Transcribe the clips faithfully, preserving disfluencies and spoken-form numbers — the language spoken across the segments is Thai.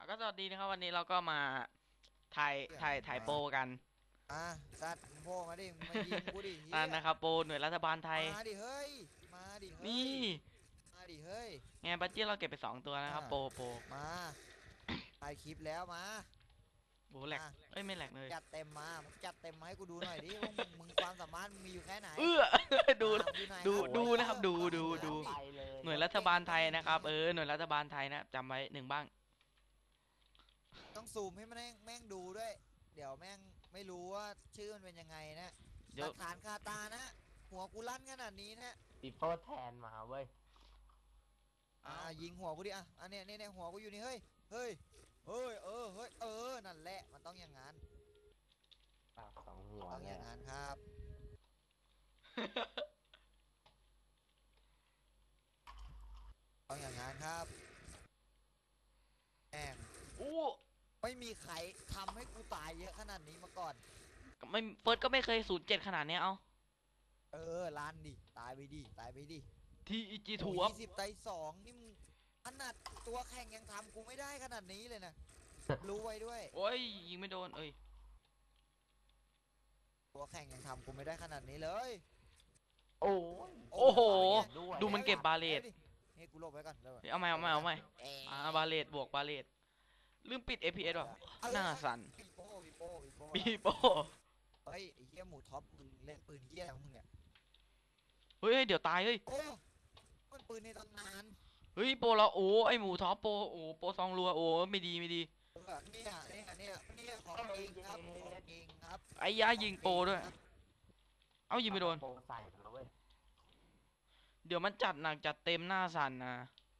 ก็สวัสดีนะครับวันนี้เราก็มาถ่ายถ่ายถ่ายโปรกันอ่ะสัตว์มึงโผล่มาดิมึงมายิงกูดิเฮีนั่นยนะครับโปรหน่วยรัฐบาลไทยมาดิเฮ้ยมาดิเฮ้นี่ยมาดิเฮ้ยไงบัตเจี้เราเก็บไปสองตัวนะคอ่ะรับโปรโปรมาถ่ายคลิปแล้วมาโอ้แหลกอ่ะเอ้ยไม่แหลกเลยจัดเต็มมามึงจัดเต็มมาให้กูดูหน่อยดิว่ามึงมึงความสามารถมึงมีอยู่แค่ไหนเอื้อ ดูมาอยู่ไหนดูครับดูนะครับดูดูดูไปเลยหน่วยรัฐบาลไทยนะครับเออหน่วยรัฐบาลไทยนะจำไว้หนึ่งบ้างต้องซูมให้มันแม่งแม่งดูด้วยเดี๋ยวแม่งไม่รู้ว่าชื่อมันเป็นยังไงนะหเดี๋ยวลักฐานคาตานะหัวกูลั่นขนาดนี้นะปีโป้แทนมาเว้ยอ่ายิงหัวกูดิอ่ะอันเนี้ยเนี่ยเนี่ยหัวกูอยู่นี่เฮ้ยเฮ้ยเฮ้ยเออเฮ้ยเออนั่นแหละมันต้องอย่างนั้นปากสองหัวต้องอเนี่ยย่างนั้นครับต้องอย่างนั้นครับแม่งอู้ไม่มีใครทำให้กูตายเยอะขนาดนี้มาก่อนไม่เฟิร์สก็ไม่เคยศูนย์เจ็ดขนาดเนี้ยเอาเออลานดิตายไปดิตายไปดิทีอีจีโอ้ถูยครับยี่สิบไตสองนี่มึงขนาดตัวแข่งยังทำกูไม่ได้ขนาดนี้เลยนะรู้ไว้ด้วยโอ้ยยิงไม่โดนเอ้ยตัวแข่งยังทำกูไม่ได้ขนาดนี้เลยโอ้ยโอ้โหด้วยดูมันเก็บบาเลตเฮ้ยกูหลบไว้ก่อนเดี๋ยวก่อนเอาใหม่เอาใหม่เอาใหม่เอ๊ะอ่าบาเลตบวกบาเลตลืมปิด เอ พี เอส ว่ะเออหน้าสั่นปีโป้ปีโป้ปีโป้ปีโป้เฮ้ยไอ้เหี้ยหมูท็อปมึงเล่นปืนเหี้ยของมึงเนี่ยเฮ้ยเดี๋ยวตายเฮ้ยโอ้มันปืนในตำนานเฮ้ยโปรเราโอ้ไอหมูท็อปโปรโอ้โปรซองรัวโอ้ไม่ดีไม่ดีเออเนี่ยเนี่ยเนี่ยเนี่ยของจริงครับของจริงครับไอ้ยายิงโปรด้วย เอ้ายิงไม่โดนโป้ใส่แล้วเว้ยเดี๋ยวมันจัดหนักจัดเต็มหน้าสั่นนะ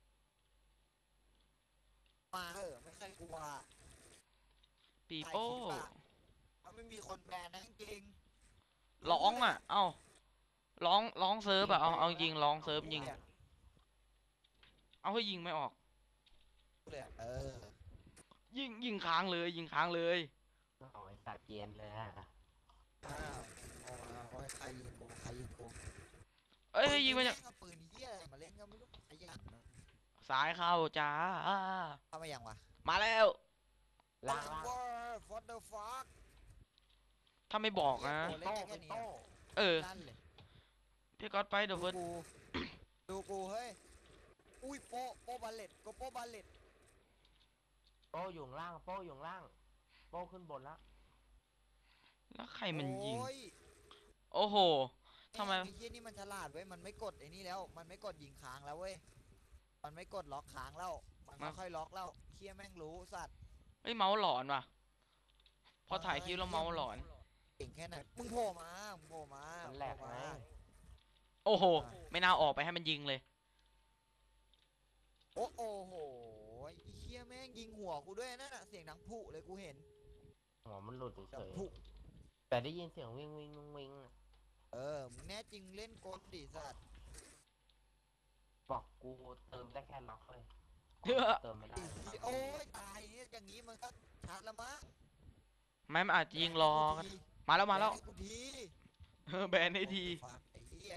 มาเออไม่ใช่กลัวปีโป้มันไม่มีคนแบนนะจริงร้องอ่ะ เอ้าร้องร้องเซิร์ฟอ่ะเอาเอายิงร้องเซิร์ฟยิงเอาให้ยิงไม่ออกเลยเออยิงยิงค้างเลยยิงค้างเลยเอาไอ้ตัดเกียนเลยฮะอ้าวเอามาเอาใครยิงกูใครยิงกูเอ้ยยิงมาจากเอาปืนเหี้ยอะไรมาเล่นก็ไม่รู้ขยันนะสายเข้าจ้าเข้ามายังวะมาแล้วล่างล่างฟอร์ดเดอร์ฟักถ้าไม่บอกนะเล่นโป้ได้แค่ปีนี้โป้เออนั่นเลยพี่ก๊อตไปเดี๋ยวดูเฟิร์สกูดูกูเฮ้ยอุ้ยโปโปบาเลตก็โปบาเลตโป้อยู่ข้างล่างโป้อยู่ข้างล่างโป้ขึ้นบนละแล้วใครมันยิงโอ้ยโอ้โหทำไมไอ้เหี้ยนี่มันฉลาดเว้ยมันไม่กดไอ้นี่แล้ว มันไม่กดยิงค้างแล้วเว้ยมันไม่กดล็อกค้างแล้วมันไม่ค่อยล็อกแล้วเคียแม่งรู้สัตว์เฮ้ยเมาส์หลอนว่ะ พอถ่ายคลิปแล้วเมาส์หลอนเก่งแค่ไหนมึงโผล่มามึงโผล่มามันแหลกโผไงมาโอ้โห ไม่น่าออกไปให้มันยิงเลยโอ้โอ้โหไอ้เคียแม่งยิงหัวกูด้วยนั่นน่ะเสียงดังผุเลยกูเห็นหัวมันหลุดเฉดังยผุๆแต่ได้ยินเสียงวิ่งวิ่งวิ่งวิ่งอะเออมึงแน่จริงเล่นกลดิสัตว์บอกกูเติมได้แค่ล็อกเลยเฮ้อเติมไม่ได้โอ้ยตายเนี่ยอย่างนี้มันก็ชัดละมั้งไม่มันอาจจะยิงรอกันมาแล้วมาแล้วบนให้กูทีเออแบนให้ทีฟักไอ้เหี้ย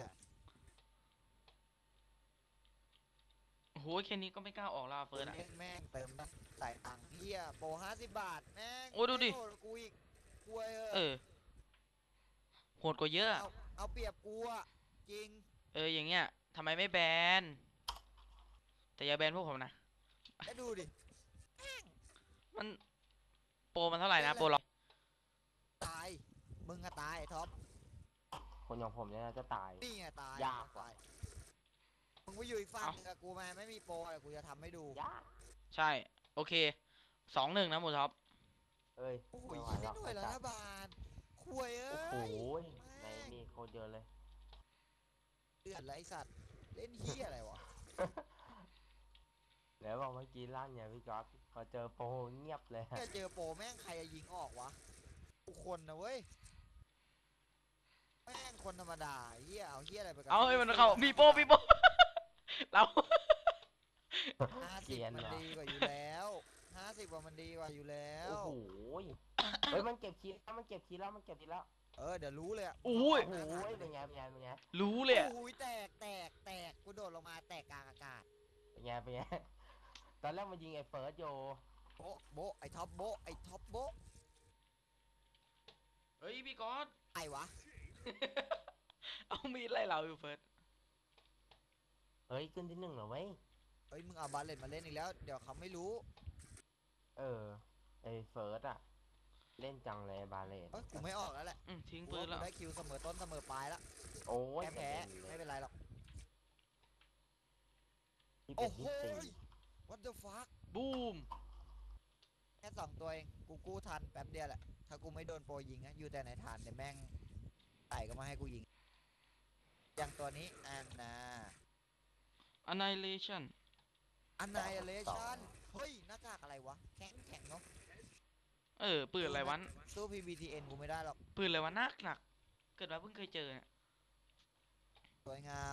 โอ้โหแค่นี้ก็ไม่กล้าออกแล้วอะเฟิร์สอะเล่นแม่งเติมนะใส่ตังค์เหี้ยโปรห้าสิบบาทแม่งโอ้ดูดิไม่โหกูอีกกลัวเอเอออ โหดกว่าเยอะอะเอาเอาเปรียบกูอะจริงเอออย่างเงี้ยทำไมไม่แบน แต่อย่าแบนพวกผมนะแล้วดูดิมันโปรมันเท่าไหร่นะโปรเราตายมึงอะตายไอ้ท็อปคนอย่างผมเนี่ยจะตายนี่ไงตายยากตายมึงไปอยู่อีกฝั่งหนึงกับกูมาไม่มีโปรอะไรกูจะทำให้ดูยากใช่ โอเคสองหนึ่งนะหมูท็อปเอ้ยโอ้โหไม่ไหวเล่แล้นวหน่วยรัฐบาลคุยเอ้โอ้โหยในนี่โคตรเยอะเลยเดือดไรสัตว์เล่นเฮียอะไรวะเดี๋ยวบอกเมื่อกี้ลั่นเนี่ยพี่ก๊อตพอเจอโปรเงียบเลยแค่เจอโปรแม่งใครจะยิงออกวะทุกคนนะเว้ยแม่งคนธรรมดาเฮียเอาเฮียอะไรไปกับเอาให้มันเข้ามีโปรมีโปร เราห้าเกสิบรียนมันว่ะดีกว่าอยู่แล้วห้าสิบกว่ามันดีกว่าอยู่แล้วโอ้โหเฮ้ยมันเก็บคิดแล้วมันเก็บคิดแล้วมันเก็บคิดแล้วเออเดี๋ยวรู้เลยอะโอ้ยโอ้โหเป็นไงเป็นไงเป็นไงรู้เลยอะโอ้ยแตกแตกแตกกูโดดลงมาแตกกลางอากาศเป็นไงเป็นไงตอนแรกมันยิงไอ้เฟิร์สโยโโบะโบะไอ้ท็อปโบะไอ้ท็อปโบะเฮ้ยพี่ก๊อตไอ้วะเอามีดไล่เราอยู่เฟิร์สเฮ้ยขึ้นที่หนึ่งเหรอเว้ยเฮ้ยมึงเอาบาเลตมาเล่นอีกแล้วเดี๋ยวเขาไม่รู้เออไอเฟิร์สอะเล่นจังเลยบาเลนเอ้ยกูไม่ออกแล้วแหละอืมทิ้งกูปืนว่าแล้วกูได้คิวเสมอต้นเสมอปลายแล้วโอ้ยแพ้แพ้กระไม่เด็นเลยเป็นไรหรอกที่เป็โอ้นโหที่สี่ what the fuck บูมแค่สองตัวเองกูกู้ทันแป๊บเดียวแหละถ้ากูไม่โดนโปรยิงนะอยู่แต่ในฐานเดี๋ยวแม่งไต่ก็มาให้กูยิงอย่างตัวนี้อันนา annihilation อันนายเลชันเฮ้ยหน้ากากอะไรวะแข็งแข็งเนาะเออปืนอะไรวันสู้ พี บี ที เอ็น กูไม่ได้หรอกปืนอะไรวะหนักหนักเกิดมาเพิ่งเคยเจอเนี่ยสวยงาม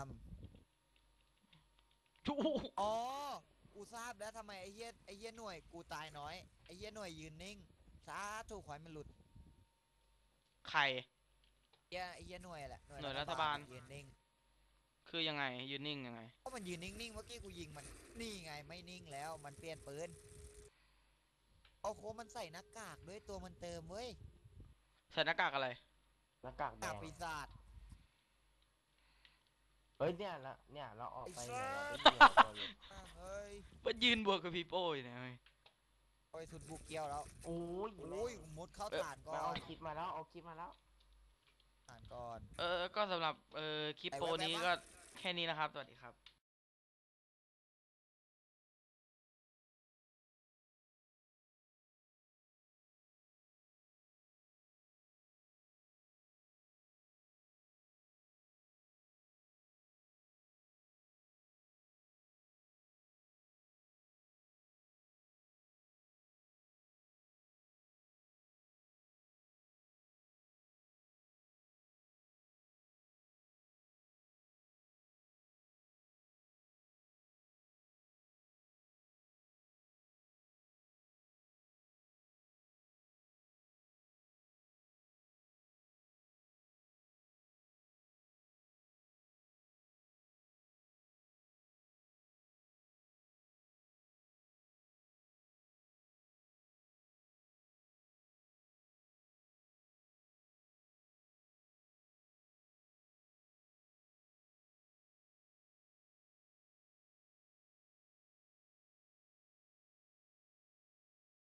ชูอ๋อ กูทราบแล้วทำไมไอ้เหี้ยไอ้เหี้ยหน่วยกูตายน้อยไอ้เหี้ยหน่วยยืนนิ่งสาถูกขอยมันหลุดไข่เหี้ยไอ้เหี้ยหน่วยแหละหน่วยรัฐบาลยืนนิ่งคือยังไงยืนนิ่งยังไงก็มันยืนนิ่งๆเมื่อกี้กูยิงมันนี่ไงไม่นิ่งแล้วมันเปลี่ยนปืนเอาโคมันใส่หน้ากากด้วยตัวมันเติมเว้ยใส่หน้ากากอะไรหน้ากากหแดน้ากงปีศาจเฮ้ยเนี่ยละเนี่ยเราออกไปไอ้เนี่ยสัสเราได้ยินตัวอยู่อ่ะเฮ้ยมันยืนบวกกับพี่โป้อยู่เนี่ยเว้ยโอ้ยสุดบุกเกี้ยวแล้วโอ้ยโอ้ยมุดเข้าฐานก่อมาเอานคลิปมาแล้วเอาคลิปมาแล้วฐานก่อนเออ ก็สำหรับ เออคลิปไอ้โปรแว๊บๆนี้วะก็แค่นี้นะครับ สวัสดีครับ